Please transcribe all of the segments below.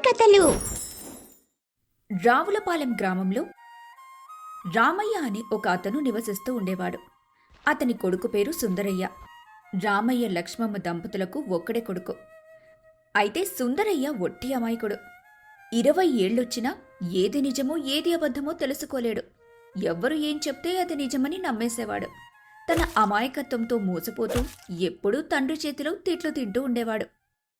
కథలు. రావులపాలెం గ్రామంలో రామయ్య అనే ఒక అతను నివసిస్తూ ఉండేవాడు. అతని కొడుకు పేరు సుందరయ్య. రామయ్య లక్ష్మమ్మ దంపతులకు ఒక్కడే కొడుకు. అయితే సుందరయ్య ఒట్టి అమాయకుడు. 20 ఏళ్లొచ్చినా ఏది నిజమో ఏది అబద్ధమో తెలుసుకోలేడు. ఎవ్వరు ఏం చెప్తే అది నిజమని నమ్మేసేవాడు. తన అమాయకత్వంతో మోసపోతూ ఎప్పుడూ తండ్రి చేతిలో తిట్లు తింటూ ఉండేవాడు.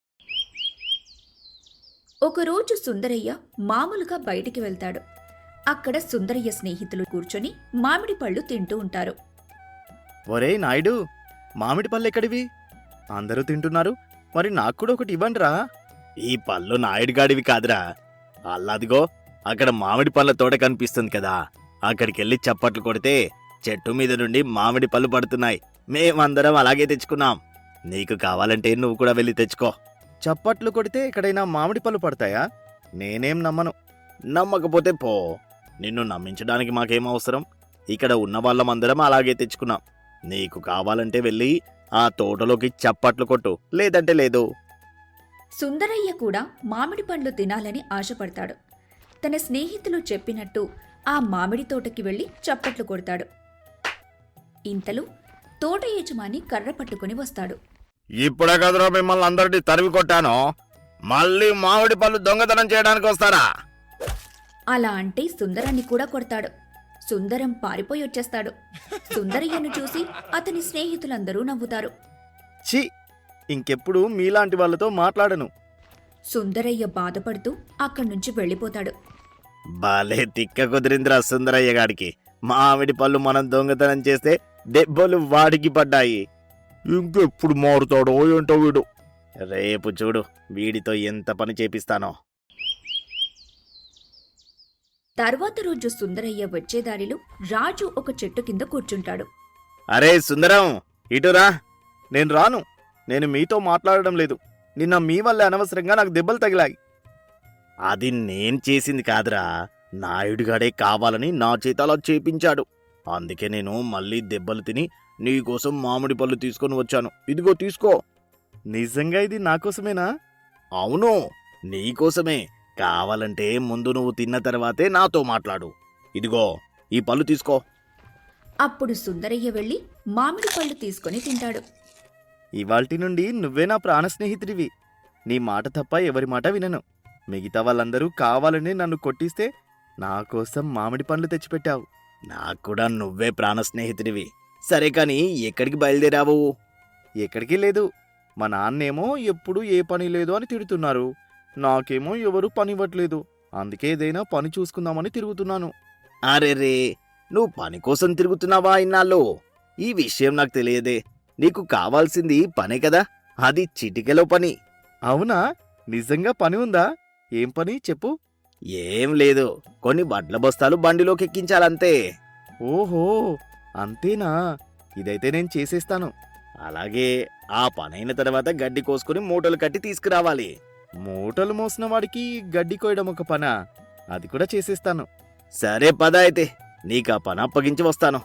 ఒకరోజు సుందరయ్య మామూలుగా బయటికి వెళ్తాడు. అక్కడ సుందరయ్య స్నేహితులు కూర్చొని మామిడి పళ్ళు తింటూ ఉంటారు. ఒరే నాయుడు, మామిడి పళ్ళు ఎక్కడివి? అందరూ తింటున్నారు, మరి నాకు కూడా ఒకటి ఇవ్వండిరా. ఈ పళ్ళు నాయుడుగాడివి కాదురా. అల్లాదిగో అక్కడ మామిడి పళ్ళ తోట కనిపిస్తుంది కదా, అక్కడికెళ్ళి చప్పట్లు కొడితే చెట్టు మీద నుండి మామిడి పళ్ళు పడుతున్నాయి. మేమందరం అలాగే తెచ్చుకున్నాం. నీకు కావాలంటే నువ్వు కూడా వెళ్ళి తెచ్చుకో. చప్పట్లు కొడితే ఎక్కడైనా మామిడి పళ్ళు పడతాయా? నేనేం నమ్మను. నమ్మకపోతే పో. నిన్ను నమ్మించడానికి మాకేం అవసరం? ఇక్కడ ఉన్న వాళ్ళమందరం అలాగే తెచ్చుకున్నాం. నీకు కావాలంటే వెళ్ళి ఆ తోటలోకి చప్పట్లు కొట్టు, లేదంటే లేదు. సుందరయ్య కూడా మామిడి పండ్లు తినాలని ఆశపడతాడు. తన స్నేహితులు చెప్పినట్టు ఆ మామిడి తోటకి వెళ్లి చప్పట్లు కొడతాడు. ఇంతలో తోట యజమాని కర్ర పట్టుకుని వస్తాడు. ఇప్పుడే కదరా మిమ్మల్ని అందరినీ తరిమి కొట్టాను, మళ్ళీ మామిడి పళ్ళు దొంగతనం చేయడానికి వస్తారా? అలా అంటే సుందరాన్ని కూడా కొడతాడు. సుందరం పారిపోయి వచ్చేస్తాడు. సుందరయ్యను చూసి అతని స్నేహితులందరూ నవ్వుతారు. ఛీ, ఇంకెప్పుడు మీలాంటి వాళ్ళతో మాట్లాడను. సుందరయ్య బాధపడుతూ అక్కడ్నుంచి వెళ్ళిపోతాడు. బాలే తిక్క కుదిరిందిరా సుందరయ్య గాడికి. మామిడి పళ్ళు మనం దొంగతనం చేస్తే దెబ్బలు వాడికి పడ్డాయి. ఇంకెప్పుడు మారుతాడో ఏంటో వీడు. రేపు చూడు వీడితో ఎంత పని చేపిస్తానో. తర్వాత రోజు సుందరయ్య వచ్చేదారిలో రాజు ఒక చెట్టు కింద కూర్చుంటాడు. అరే సుందరం, ఇటురా. నేను రాను. నేను మీతో మాట్లాడడం లేదు. నిన్న మీ వల్ల అనవసరంగా నాకు దెబ్బలు తగిలాయి. అది నేను చేసింది కాదురా, నాయుడుగాడే కావాలని నా చేత అలా చేపించాడు. అందుకే నేను మళ్ళీ దెబ్బలు తిని నీకోసం మామిడి పళ్ళు తీసుకొని వచ్చాను. ఇదిగో తీసుకో. నిజంగా ఇది నాకోసమేనా? అవును, నీకోసమే. కావాలంటే ముందు నువ్వు తిన్న తర్వాతే నాతో మాట్లాడు. ఇదిగో ఈ పళ్ళు తీసుకో. అప్పుడు సుందరయ్య వెళ్లి మామిడి పళ్ళు తీసుకొని తింటాడు. ఇవాల్టి నుండి నువ్వే నా ప్రాణ స్నేహితుడివి. నీ మాట తప్ప ఎవరి మాట వినను. మిగతా వాళ్ళందరూ కావాలని నన్ను కొట్టిస్తే నా కోసం మామిడి పండ్లు తెచ్చిపెట్టావు. నాకు కూడా నువ్వే ప్రాణ స్నేహితుడివి. సరే కాని ఎక్కడికి బయలుదేరావు? ఎక్కడికి లేదు. మా నాన్నేమో ఎప్పుడు ఏ పని లేదు అని తిడుతున్నారు. నాకేమో ఎవరు పని ఇవ్వట్లేదు. అందుకే ఏదైనా పని చూసుకుందామని తిరుగుతున్నాను. అరే రే, నువ్వు పని కోసం తిరుగుతున్నావా ఇన్నాళ్ళు? ఈ విషయం నాకు తెలియదే. నీకు కావాల్సింది పనే కదా, అది చిటికెలో పని. అవునా? నిజంగా పని ఉందా? ఏం పని చెప్పు. ఏం లేదు, కొన్ని వడ్ల బస్తాలు బండిలోకి ఎక్కించాలంతే. ఓహో, అంతేనా? ఇదైతే నేను చేసేస్తాను. అలాగే ఆ పనైన తర్వాత గడ్డి కోసుకుని మూటలు కట్టి తీసుకురావాలి. మూటలు మోసిన వాడికి గడ్డి కోయడం ఒక పనా? అది కూడా చేసేస్తాను. సరే పద అయితే, నీకు ఆ పని అప్పగించి వస్తాను.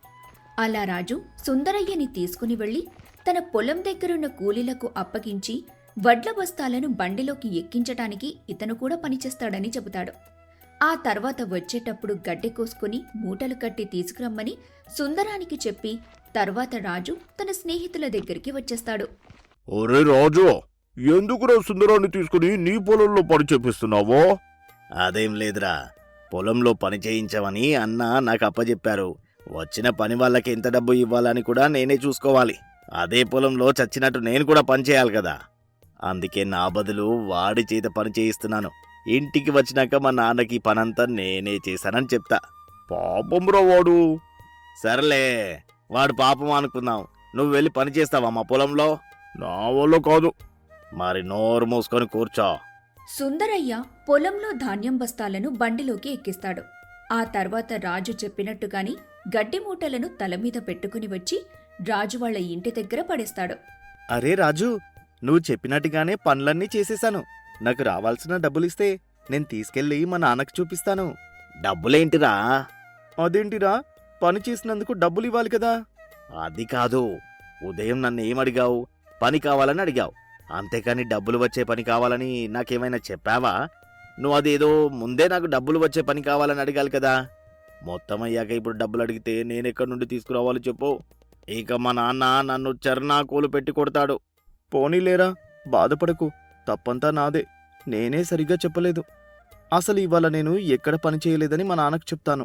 అలా రాజు సుందరయ్యని తీసుకుని వెళ్లి తన పొలం దగ్గరున్న కూలీలకు అప్పగించి వడ్ల బస్తాలను బండిలోకి ఎక్కించటానికి ఇతను కూడా పనిచేస్తాడని చెబుతాడు. ఆ తర్వాత వచ్చేటప్పుడు గడ్డి కోసుకుని మూటలు కట్టి తీసుకురమ్మని సుందరానికి చెప్పి తర్వాత రాజు తన స్నేహితుల దగ్గరికి వచ్చేస్తాడు. ఒరే రాజు, ఎందుకురా సుందరాన్ని తీసుకుని నీ పొలంలో పని చేపిస్తున్నావో? అదేం లేదురా, పొలంలో పని చేయించమని అన్న నాకు అప్పచెప్పారు. వచ్చిన పని వాళ్ళకి ఎంత డబ్బు ఇవ్వాలని కూడా నేనే చూసుకోవాలి. అదే పొలంలో చచ్చినట్టు నేను కూడా పని చేయాలి కదా. అందుకే నా బదులు వాడి చేత పని చేయిస్తున్నాను. ఇంటికి వచ్చినాక మా నాన్నకి పనంతా నేనే చేశానని చెప్తా. పాపంరా వాడు. సర్లే, వాడు పాపం అనుకుందాం. నువ్వు వెళ్ళి పని చేస్తావా మా పొలంలో? నా వల్ల కాదు. మరి నోరు మూసుకొని కూర్చో. సుందరయ్య పొలంలో ధాన్యం బస్తాలను బండిలోకి ఎక్కిస్తాడు. ఆ తర్వాత రాజు చెప్పినట్టుగాని గడ్డి మూటలను తల మీద పెట్టుకుని వచ్చి రాజు వాళ్ళ ఇంటి దగ్గర పడేస్తాడు. అరే రాజు, నువ్వు చెప్పినట్టుగానే పనులన్నీ చేసేశాను. నాకు రావాల్సిన డబ్బులిస్తే నేను తీసుకెళ్ళి మా నాన్నకు చూపిస్తాను. డబ్బులేంటిరా? అదేంటిరా, పని చేసినందుకు డబ్బులు ఇవ్వాలి కదా. అది కాదు, ఉదయం నన్ను ఏమడిగావు? పని కావాలని అడిగావు. అంతేకాని డబ్బులు వచ్చే పని కావాలని నాకేమైనా చెప్పావా? నువ్వు అదేదో ముందే నాకు డబ్బులు వచ్చే పని కావాలని అడగాలి కదా. మొత్తం అయ్యాక ఇప్పుడు డబ్బులు అడిగితే నేనెక్కడి నుండి తీసుకురావాలో చెప్పు. ఇక మా నాన్న నన్ను చర్నాకోలు పెట్టి కొడతాడు. పోనీలేరా, బాధపడకు. తప్పంతా నాదే. నేనే సరిగ్గా చెప్పలేదు. అసలు ఇవాళ నేను ఎక్కడ పని చేయలేదని మా నాన్నకు చెప్తాను.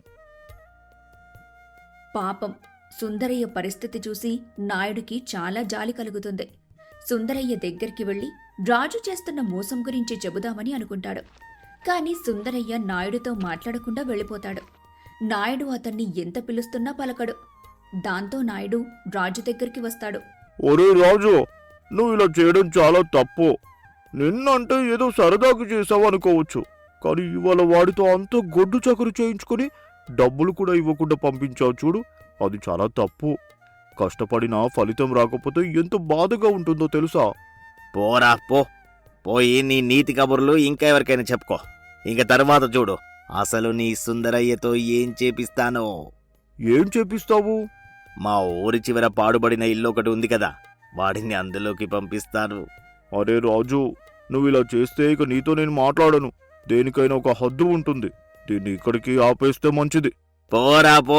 పాపం సుందరయ్య పరిస్థితి చూసి నాయుడికి చాలా జాలి కలుగుతుంది. సుందరయ్య దగ్గరికి వెళ్లి రాజు చేస్తున్న మోసం గురించి చెబుదామని అనుకుంటాడు. కాని సుందరయ్య నాయుడితో మాట్లాడకుండా వెళ్ళిపోతాడు. నాయుడు అతన్ని ఎంత పిలుస్తున్నా పలకడు. దాంతో నాయుడు రాజు దగ్గరికి వస్తాడు. ఒరే రాజు, నువ్వు ఇలా చేయడం చాలా తప్పు. నిన్నంటే ఏదో సరదాకు చేసావు అనుకోవచ్చు, కానీ ఇవాళ వాడితో అంత గొడ్డు చకరు చేయించుకుని డబ్బులు కూడా ఇవ్వకుండా పంపించావు చూడు, అది చాలా తప్పు. కష్టపడినా ఫలితం రాకపోతే ఎంత బాధగా ఉంటుందో తెలుసా? పోరా పో. పోయి నీ నీతి కబుర్లు ఇంకా ఎవరికైనా చెప్పుకో. ఇంక తర్వాత చూడు అసలు నీ సుందరయ్యతో ఏం చేపిస్తానో. ఏం చేపిస్తావు? మా ఊరి చివర పాడుబడిన ఇల్లు ఒకటి ఉంది కదా, వాడిని అందులోకి పంపిస్తాను. అరే రాజు, నువ్వు ఇలా చేస్తే ఇక నీతో నేను మాట్లాడను. దేనికైనా ఒక హద్దు ఉంటుంది. దీన్ని ఇక్కడికి ఆపేస్తే మంచిది. పోరా పో.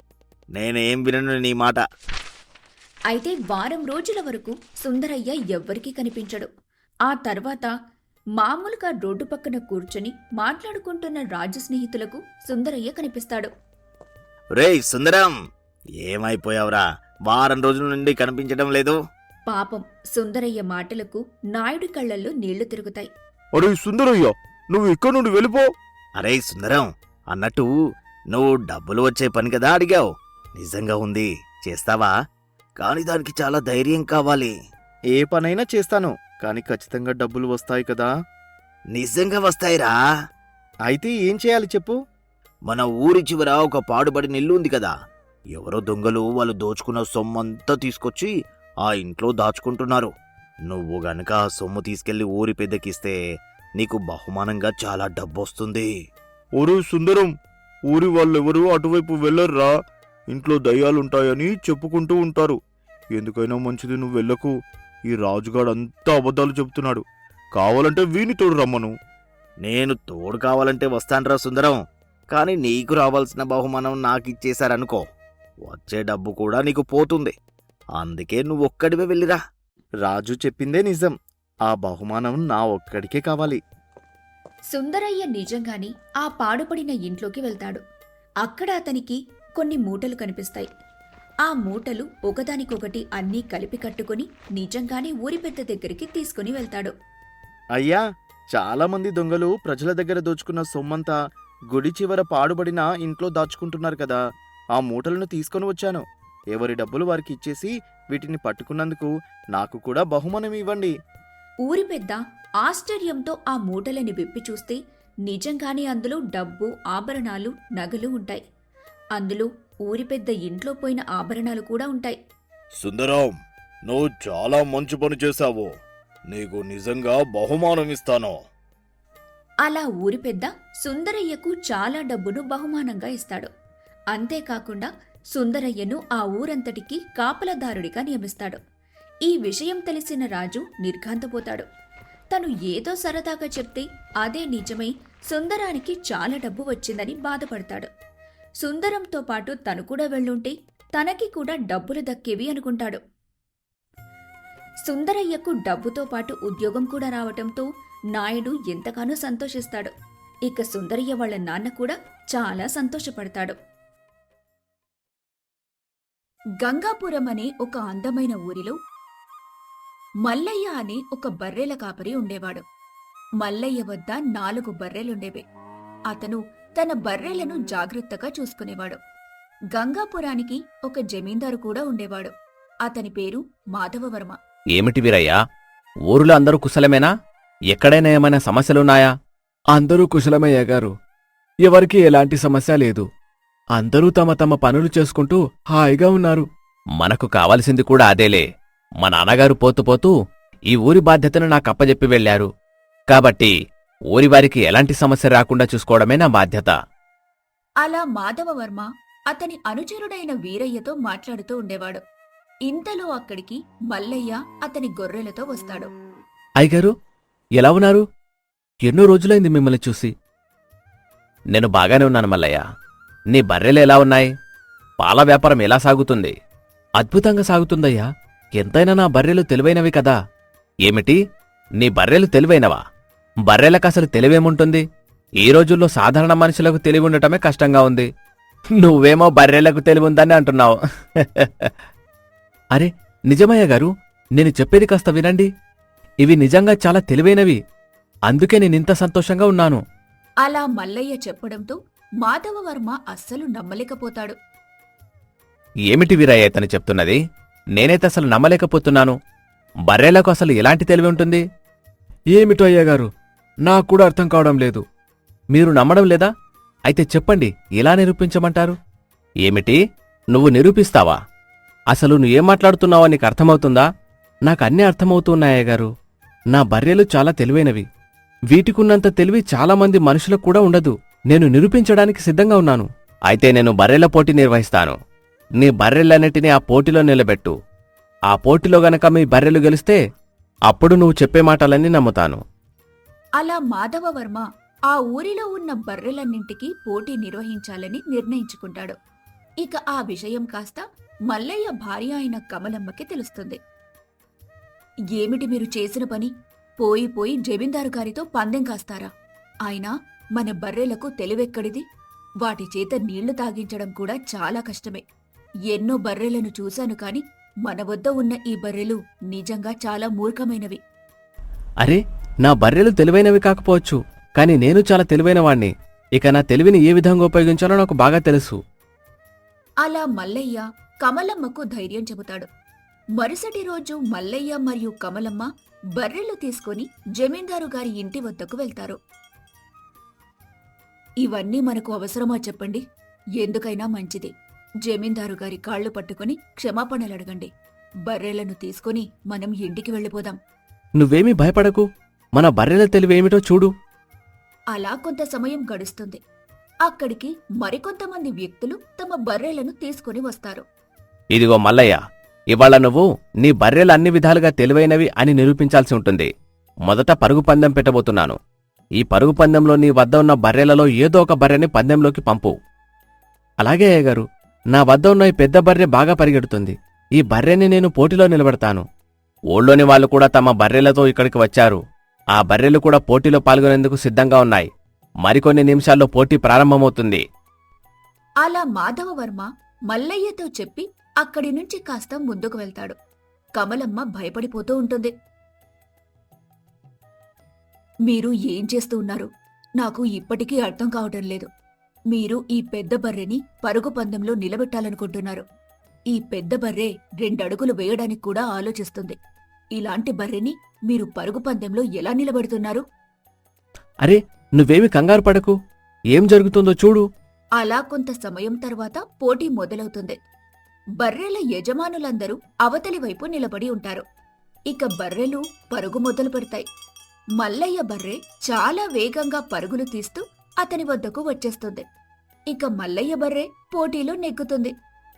నేనేం వినను నీ మాట. అయితే వారం రోజుల వరకు సుందరయ్య ఎవ్వరికీ కనిపించడు. ఆ తర్వాత మామూలుగా రోడ్డు పక్కన కూర్చొని మాట్లాడుకుంటున్న రాజు స్నేహితులకు సుందరయ్య కనిపిస్తాడు. రేయ్ సుందరం, ఏమైపోయావురా? వారం రోజుల నుండి కనిపించడం లేదు. పాపం సుందరయ్య మాటలకు నాయుడి కళ్ళల్లో నీళ్లు తిరుగుతాయి. అరే సుందరయ్య, నువ్వు ఇక్కడ నుండి వెళ్ళిపో. అరే సుందరం, అన్నట్టు నువ్వు డబ్బులు వచ్చే పని కదా అడిగావు. నిజంగా ఉంది, చేస్తావా? కాని దానికి చాలా ధైర్యం కావాలి. ఏ పనైనా చేస్తాను, కాని ఖచ్చితంగా డబ్బులు వస్తాయి కదా. నిజంగా వస్తాయిరా. అయితే ఏం చేయాలి చెప్పు. మన ఊరి చివర ఒక పాడుబడిన ఇల్లు ఉంది కదా, ఎవరో దొంగలు వాళ్ళు దోచుకున్న సొమ్మంతా తీసుకొచ్చి ఆ ఇంట్లో దాచుకుంటున్నారు. నువ్వు గనక ఆ సొమ్ము తీసుకెళ్లి ఊరి పెద్దకిస్తే నీకు బహుమానంగా చాలా డబ్బొస్తుంది. ఒరే సుందరం, ఊరి వాళ్ళెవరూ అటువైపు వెళ్ళర్రా. ఇంట్లో దయ్యాలుంటాయని చెప్పుకుంటూ ఉంటారు. ఎందుకైనా మంచిది నువ్వు వెళ్ళకు. ఈ రాజుగాడు అంతా అబద్ధాలు చెప్తున్నాడు. కావాలంటే వీని తోడు రమ్మను. నేను తోడు కావాలంటే వస్తాన్రా సుందరం, కాని నీకు రావాల్సిన బహుమానం నాకిచ్చేశారనుకో, వచ్చే డబ్బు కూడా నీకు పోతుంది. అందుకే నువ్వొక్కడివే వెళ్ళిరా. రాజు చెప్పిందే నిజం. ఆ బహుమానం నా ఒక్కడికే కావాలి. సుందరయ్య నిజంగానే ఆ పాడుపడిన ఇంట్లోకి వెళ్తాడు. అక్కడ అతనికి కొన్ని మూటలు కనిపిస్తాయి. ఆ మూటలు ఒకదానికొకటి అన్నీ కలిపి కట్టుకుని నిజంగానే ఊరి పెద్ద దగ్గరికి తీసుకుని వెళ్తాడు. అయ్యా, చాలా మంది దొంగలు ప్రజల దగ్గర దోచుకున్న సొమ్మంతా గుడి చివర పాడుబడిన ఇంట్లో దాచుకుంటున్నారు కదా, ఆ మూటలను తీసుకొని వచ్చాను. ఎవరి డబ్బులు వారికి ఇచ్చేసి వీటిని పట్టుకున్నందుకు నాకు కూడా బహుమానం ఇవ్వండి. ఊరి పెద్ద ఆశ్చర్యంతో ఆ మూటలని విప్పి చూస్తే నిజంగానే అందులో డబ్బు, ఆభరణాలు, నగలు ఉంటాయి. అందులో ఊరి పెద్ద ఇంట్లో పోయిన ఆభరణాలు కూడా ఉంటాయి. సుందరం, నువ్వు చాలా మంచి పని చేశావు. నీకు నిజంగా బహుమానం ఇస్తాను. అలా ఊరి పెద్ద సుందరయ్యకు చాలా డబ్బును బహుమానంగా ఇస్తాడు. అంతేకాకుండా సుందరయ్యను ఆ ఊరంతటికి కాపలాదారుడిగా నియమిస్తాడు. ఈ విషయం తెలిసిన రాజు నిర్ఘాంతపోతాడు. తను ఏదో సరదాగా చెప్తే అదే నిజమై సుందరానికి చాలా డబ్బు వచ్చిందని బాధపడతాడు. సుందరంతో పాటు తను కూడా వెళ్ళుంటే తనకి కూడా డబ్బులు దక్కేవి అనుకుంటాడు. సుందరయ్యకు డబ్బుతో పాటు ఉద్యోగం కూడా రావటంతో నాయుడు ఎంతగానో సంతోషిస్తాడు. ఇక సుందరయ్య వాళ్ళ నాన్న కూడా చాలా సంతోషపడతాడు. గంగాపురం అనే ఒక అందమైన ఊరిలో మల్లయ్య అనే ఒక బర్రెల కాపరి ఉండేవాడు. మల్లయ్య వద్ద 4 బర్రెలుండేవి. అతను తన బర్రెలను జాగ్రత్తగా చూసుకునేవాడు. గంగాపురానికి ఒక జమీందారు కూడా ఉండేవాడు. అతని పేరు మాధవవర్మ. ఏమిటి వీరయ్యా, ఊరిలో అందరూ కుశలమేనా? ఎక్కడైనా ఏమైనా సమస్యలున్నాయా? అందరూ కుశలమయ్య గారు. ఎవరికీ ఎలాంటి సమస్య లేదు. అందరూ తమ తమ పనులు చేసుకుంటూ హాయిగా ఉన్నారు. మనకు కావలసింది కూడా అదేలే. మా నాన్నగారు పోతూ ఈ ఊరి బాధ్యతను నాకప్పజెప్పి వెళ్లారు. కాబట్టి ఊరివారికి ఎలాంటి సమస్య రాకుండా చూసుకోవడమే నా బాధ్యత. అలా మాధవవర్మ అతని అనుచరుడైన వీరయ్యతో మాట్లాడుతూ ఉండేవాడు. ఇంతలో అక్కడికి మల్లయ్య అతని గొర్రెలతో వస్తాడు. అయ్యగారు ఎలా ఉన్నారు? ఎన్నో రోజులైంది మిమ్మల్ని చూసి. నేను బాగానే ఉన్నాను మల్లయ్య. నీ బర్రెలు ఎలా ఉన్నాయి? పాల వ్యాపారం ఎలా సాగుతుంది? అద్భుతంగా సాగుతుందయ్యా. ఎంతైనా నా బర్రెలు తెలివైనవి కదా. ఏమిటి? నీ బర్రెలు తెలివైనవా? బర్రెలకసలు తెలివేముంటుంది? ఈ రోజుల్లో సాధారణ మనుషులకు తెలివి ఉండటమే కష్టంగా ఉంది. నువ్వేమో బర్రెలకు తెలివుందని అంటున్నావు. అరే నిజమయ్య గారు, నేను చెప్పేది కాస్త వినండి. ఇవి నిజంగా చాలా తెలివైనవి. అందుకే నేనింత సంతోషంగా ఉన్నాను. అలా మల్లయ్య చెప్పడంతో మాధవవర్మ అస్సలు నమ్మలేకపోతాడు. ఏమిటి వీరయ్య ఇతను చెప్తున్నది? నేనైతే అసలు నమ్మలేకపోతున్నాను. బర్రెలకు అసలు ఎలాంటి తెలివి ఉంటుంది? ఏమిటో అయ్యగారు, నాకు కూడా అర్థం కావడం లేదు. మీరు నమ్మడం లేదా? అయితే చెప్పండి, ఎలా నిరూపించమంటారు? ఏమిటి? నువ్వు నిరూపిస్తావా? అసలు నువ్వేం మాట్లాడుతున్నావో నీకు అర్థమవుతుందా? నాకన్నీ అర్థమవుతున్నాయ్యగారు. నా బర్రెలు చాలా తెలివైనవి. వీటికున్నంత తెలివి చాలామంది మనుషులకు కూడా ఉండదు. నేను నిరూపించడానికి సిద్ధంగా ఉన్నాను. అయితే నేను బర్రెల పోటీ నిర్వహిస్తాను. నీ బర్రెలన్నిటినీ ఆ పోటీలో నిలబెట్టు. ఆ పోటీలో గనక మీ బర్రెలు గెలిస్తే అప్పుడు నువ్వు చెప్పే మాటలన్నీ నమ్ముతాను. అలా మాధవవర్మ ఆ ఊరిలో ఉన్న బర్రెలన్నింటికీ పోటీ నిర్వహించాలని నిర్ణయించుకుంటాడు. ఇక ఆ విషయం కాస్త మల్లయ్య భార్య అయిన కమలమ్మకి తెలుస్తుంది. ఏమిటి మీరు చేసిన పని? పోయి పోయి జమీందారు గారితో పందెం కాస్తారా? అయినా మన బర్రెలకు తెలివెక్కడిది? వాటి చేత నీళ్లు తాగించడం కూడా చాలా కష్టమే. ఎన్నో బర్రెలను చూశాను కాని మన వద్ద ఉన్న ఈ బర్రెలు నిజంగా చాలా మూర్ఖమైనవి. అరే, నా బర్రెలు తెలివైనవి కాకపోవచ్చు, కాని నేను చాలా తెలివైనవాణ్ణి. ఇక నా తెలివిని ఏ విధంగా ఉపయోగించాలో నాకు బాగా తెలుసు. అలా మల్లయ్య కమలమ్మకు ధైర్యం చెబుతాడు. మరుసటి రోజు మల్లయ్య మరియు కమలమ్మ బర్రెలు తీసుకుని జమీందారు గారి ఇంటి వద్దకు వెళ్తారు. ఇవన్నీ మనకు అవసరమా చెప్పండి? ఎందుకైనా మంచిది. జమీందారు గారి కాళ్లు పట్టుకుని క్షమాపణలడగండి. బర్రెలను తీసుకుని మనం ఇంటికి వెళ్ళిపోదాం. నువ్వేమీ భయపడకు. మన బర్రెల తెలివేమిటో చూడు. అలా కొంత సమయం గడుస్తుంది. అక్కడికి మరికొంతమంది వ్యక్తులు తమ బర్రెలను తీసుకుని వస్తారు. ఇదిగో మల్లయ్య, ఇవాళ నువ్వు నీ బర్రెలు అన్ని విధాలుగా తెలివైనవి అని నిరూపించాల్సి ఉంటుంది. మొదట పరుగు పందెం పెట్టబోతున్నాను. ఈ పరుగు పందెంలో నీ వద్ద ఉన్న బర్రెలలో ఏదో ఒక బర్రెని పందెంలోకి పంపు. అలాగే అయ్యగారు, నా వద్ద ఉన్న ఈ పెద్ద బర్రె బాగా పరిగెడుతుంది. ఈ బర్రెని నేను పోటీలో నిలబెడతాను. ఊళ్ళోని వాళ్ళు కూడా తమ బర్రెలతో ఇక్కడికి వచ్చారు. ఆ బర్రెలు కూడా పోటీలో పాల్గొనేందుకు సిద్ధంగా ఉన్నాయి. మరికొన్ని నిమిషాల్లో పోటీ ప్రారంభమవుతుంది. అలా మాధవవర్మ మల్లయ్యతో చెప్పి అక్కడి నుంచి కాస్త ముందుకు వెళ్తాడు. కమలమ్మ భయపడిపోతూ ఉంటుంది. మీరు ఏం చేస్తూ ఉన్నారు? నాకు ఇప్పటికీ అర్థం కావటం లేదు. మీరు ఈ పెద్ద బర్రెని పరుగు పందెంలో నిలబెట్టాలనుకుంటున్నారు. ఈ పెద్ద బర్రె 2 అడుగులు వేయడానికి కూడా ఆలోచిస్తుంది. ఇలాంటి బర్రెని మీరు పరుగు పందెంలో ఎలా నిలబెడుతున్నారు? అరే, నువ్వేమి కంగారు పడకు. ఏం జరుగుతుందో చూడు. అలా కొంత సమయం తర్వాత పోటీ మొదలవుతుంది. బర్రెల యజమానులందరూ అవతలి వైపు నిలబడి ఉంటారు. ఇక బర్రెలు పరుగు మొదలు పెడతాయి. మల్లయ్య బర్రె చాలా వేగంగా పరుగులు తీస్తూ అతని వద్దకు వచ్చేస్తుంది. ఇక మల్లయ్య బర్రె పోటీలో నెగ్గుతుంది.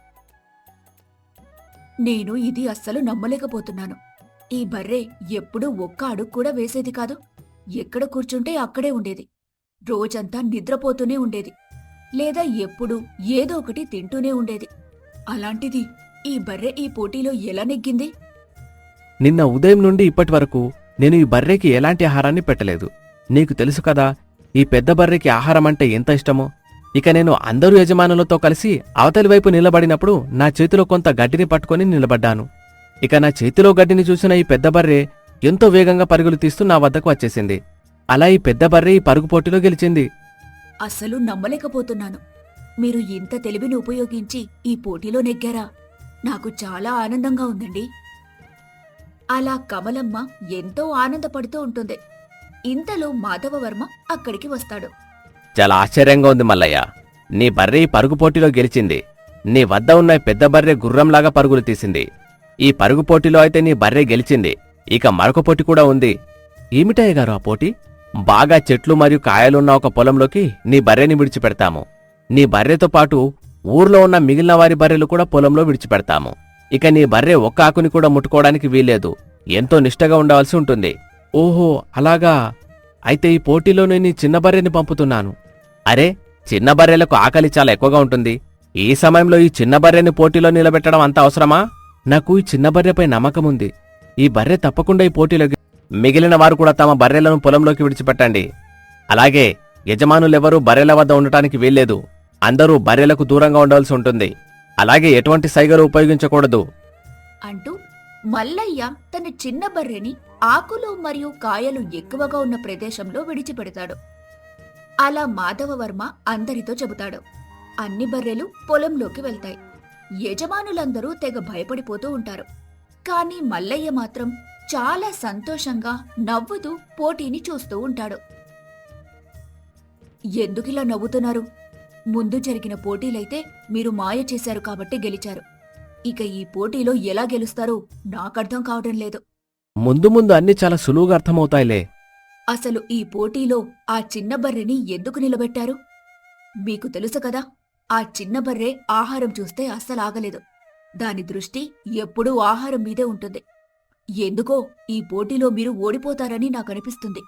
నేను ఇది అస్సలు నమ్మలేకపోతున్నాను. ఈ బర్రె ఎప్పుడూ ఒక్క అడుగు కూడా వేసేది కాదు. ఎక్కడ కూర్చుంటే అక్కడే ఉండేది. రోజంతా నిద్రపోతూనే ఉండేది. లేదా ఎప్పుడూ ఏదో ఒకటి తింటూనే ఉండేది. అలాంటిది ఈ బర్రె ఈ పోటీలో ఎలా నెగ్గింది? నిన్న ఉదయం నుండి ఇప్పటి వరకు నేను ఈ బర్రెకి ఎలాంటి ఆహారాన్ని పెట్టలేదు. నీకు తెలుసు కదా, ఈ పెద్ద బర్రెకి ఆహారం అంటే ఎంత ఇష్టమో. ఇక నేను అందరూ యజమానులతో కలిసి అవతలి వైపు నిలబడినప్పుడు నా చేతిలో కొంత గడ్డిని పట్టుకొని నిలబడ్డాను. ఇక నా చేతిలో గడ్డిని చూసిన ఈ పెద్ద బర్రె ఎంతో వేగంగా పరుగులు తీస్తూ నా వద్దకు వచ్చేసింది. అలా ఈ పెద్ద బర్రె ఈ పరుగు పోటీలో గెలిచింది. అస్సలు నమ్మలేకపోతున్నాను. మీరు ఇంత తెలివిని ఉపయోగించి ఈ పోటీలో నెగ్గారా? నాకు చాలా ఆనందంగా ఉందండి. అలా కమలమ్మ ఎంతో ఆనందపడుతూ ఉంటుంది. ఇంతలో మాధవవర్మ అక్కడికి వస్తాడు. చాలా ఆశ్చర్యంగా ఉంది మల్లయ్య. నీ బర్రె ఈ పరుగు పోటీలో గెలిచింది. నీ వద్ద ఉన్న ఈ పెద్ద బర్రె గుర్రంలాగా పరుగులు తీసింది. ఈ పరుగు పోటీలో అయితే నీ బర్రె గెలిచింది. ఇక మరొక పోటీ కూడా ఉంది. ఏమిటయ్య గారు ఆ పోటీ? బాగా చెట్లు మరియు కాయలున్న ఒక పొలంలోకి నీ బర్రెని విడిచిపెడతాము. నీ బర్రెతో పాటు ఊర్లో ఉన్న మిగిలిన వారి బర్రెలు కూడా పొలంలో విడిచిపెడతాము. ఇక నీ బర్రె ఒక్క ఆకుని కూడా ముట్టుకోవడానికి వీల్లేదు. ఎంతో నిష్టగా ఉండవలసి ఉంటుంది. ఓహో అలాగా. అయితే ఈ పోటీలో నేను ఈ చిన్న బర్రెని పంపుతున్నాను. అరే, చిన్న బర్రెలకు ఆకలి చాలా ఎక్కువగా ఉంటుంది. ఈ సమయంలో ఈ చిన్న బర్రెని పోటీలో నిలబెట్టడం అంత అవసరమా? నాకు ఈ చిన్న బర్రెపై నమ్మకముంది. ఈ బర్రె తప్పకుండా ఈ పోటీలో మిగిలిన వారు కూడా తమ బర్రెలను పొలంలోకి విడిచిపెట్టండి. అలాగే యజమానులెవరూ బర్రెల వద్ద ఉండటానికి వీల్లేదు. అందరూ బర్రెలకు దూరంగా ఉండవలసి ఉంటుంది. అలాగే ఎటువంటి సైగలు ఉపయోగించకూడదు. అంటూ మల్లయ్య తన చిన్న బర్రెని ఆకులు మరియు కాయలు ఎక్కువగా ఉన్న ప్రదేశంలో విడిచిపెడతాడు. అలా మాధవవర్మ అందరితో చెబుతాడు. అన్ని బర్రెలు పొలంలోకి వెళ్తాయి. యజమానులందరూ తెగ భయపడిపోతూ ఉంటారు. కాని మల్లయ్య మాత్రం చాలా సంతోషంగా నవ్వుతూ పోటీని చూస్తూ ఉంటాడు. ఎందుకిలా నవ్వుతున్నారు? ముందు జరిగిన పోటీలైతే మీరు మాయ చేశారు కాబట్టి గెలిచారు. ఇక ఈ పోటీలో ఎలా గెలుస్తారో నాకర్థం కావడం లేదు. ముందు ముందు అన్ని చాలా సులువుగా అర్థమవుతాయిలే. అసలు ఈ పోటీలో ఆ చిన్న బర్రెని ఎందుకు నిలబెట్టారు? మీకు తెలుసు కదా, ఆ చిన్న బర్రె ఆహారం చూస్తే అస్సలాగలేదు. దాని దృష్టి ఎప్పుడూ ఆహారం మీదే ఉంటుంది. ఎందుకో ఈ పోటీలో మీరు ఓడిపోతారని నాకనిపిస్తుంది.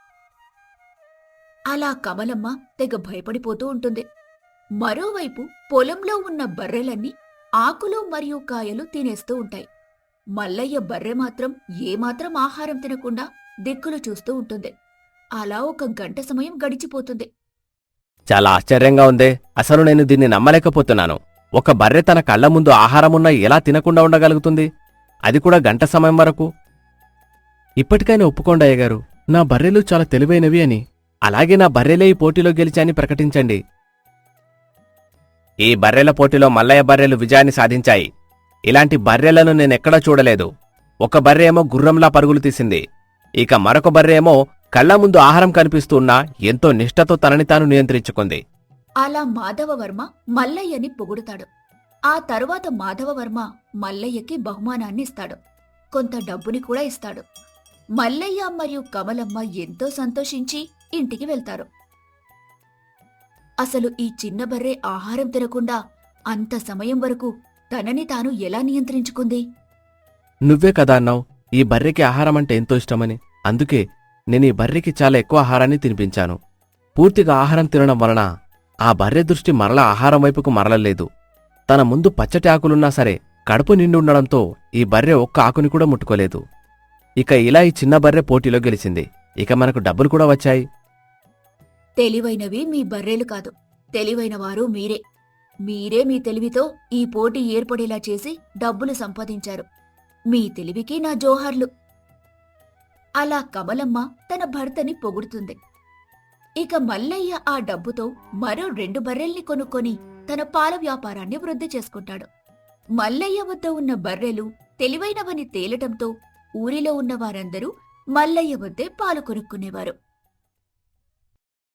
అలా కమలమ్మ తెగ భయపడిపోతూ ఉంటుంది. మరోవైపు పొలంలో ఉన్న బర్రెలన్నీ ఆకులు మరియు కాయలు తినేస్తూ ఉంటాయి. మల్లయ్య బర్రె మాత్రం ఏమాత్రం ఆహారం తినకుండా దిక్కులు చూస్తూ ఉంటుంది. అలా 1 గంట సమయం గడిచిపోతుంది. చాలా ఆశ్చర్యంగా ఉందే. అసలు నేను దీన్ని నమ్మలేకపోతున్నాను. ఒక బర్రె తన కళ్ల ముందు ఆహారమున్నా ఎలా తినకుండా ఉండగలుగుతుంది? అది కూడా గంట సమయం వరకు. ఇప్పటికైనా ఒప్పుకోండి అయ్యగారు, నా బర్రెలు చాలా తెలివైనవి అని. అలాగే నా బర్రెలే ఈ పోటీలో గెలిచాయని ప్రకటించండి. ఈ బర్రెల పోటీలో మల్లయ్య బర్రెలు విజయాన్ని సాధించాయి. ఇలాంటి బర్రెలను నేనెక్కడా చూడలేదు. ఒక బర్రె ఏమో గుర్రంలా పరుగులు తీసింది. ఇక మరొక బర్రె ఏమో కళ్ల ముందు ఆహారం కనిపిస్తున్నా ఎంతో నిష్ఠతో తనని తాను నియంత్రించుకుంది. అలా మాధవవర్మ మల్లయ్యని పొగుడుతాడు. ఆ తరువాత మాధవవర్మ మల్లయ్యకి బహుమానాన్ని ఇస్తాడు. కొంత డబ్బుని కూడా ఇస్తాడు. మల్లయ్య మరియు కమలమ్మ ఎంతో సంతోషించి ఇంటికి వెళ్తారు. అసలు ఈ చిన్న బర్రె ఆహారం తినకుండా అంత సమయం వరకు తనని తాను ఎలా నియంత్రించుకుంది? నువ్వే కదా అన్నావు ఈ బర్రెకి ఆహారం అంటే ఎంతో ఇష్టమని. అందుకే నేను ఈ బర్రెకి చాలా ఎక్కువ ఆహారాన్ని తినిపించాను. పూర్తిగా ఆహారం తినడం వలన ఆ బర్రె దృష్టి మరలా ఆహారం వైపుకు మరలలేదు. తన ముందు పచ్చటి ఆకులున్నా సరే కడుపు నిండి ఉండడంతో ఈ బర్రె ఒక్క ఆకుని కూడా ముట్టుకోలేదు. ఇక ఇలా ఈ చిన్న బర్రె పోటీలో గెలిచింది. ఇక మనకు డబ్బులు కూడా వచ్చాయి. తెలివైనవి మీ బర్రెలు కాదు, తెలివైనవారు మీరే. మీరే మీ తెలివితో ఈ పోటీ ఏర్పడేలా చేసి డబ్బులు సంపాదించారు. మీ తెలివికి నా జోహార్లు. అలా కమలమ్మ తన భర్తని పొగుడుతుంది. ఇక మల్లయ్య ఆ డబ్బుతో మరో 2 బర్రెల్ని కొనుక్కొని తన పాల వ్యాపారాన్ని వృద్ధి చేసుకుంటాడు. మల్లయ్య వద్ద ఉన్న బర్రెలు తెలివైనవని తేలటంతో ఊరిలో ఉన్న వారందరూ మల్లయ్య వద్దే పాలు కొనుక్కునేవారు.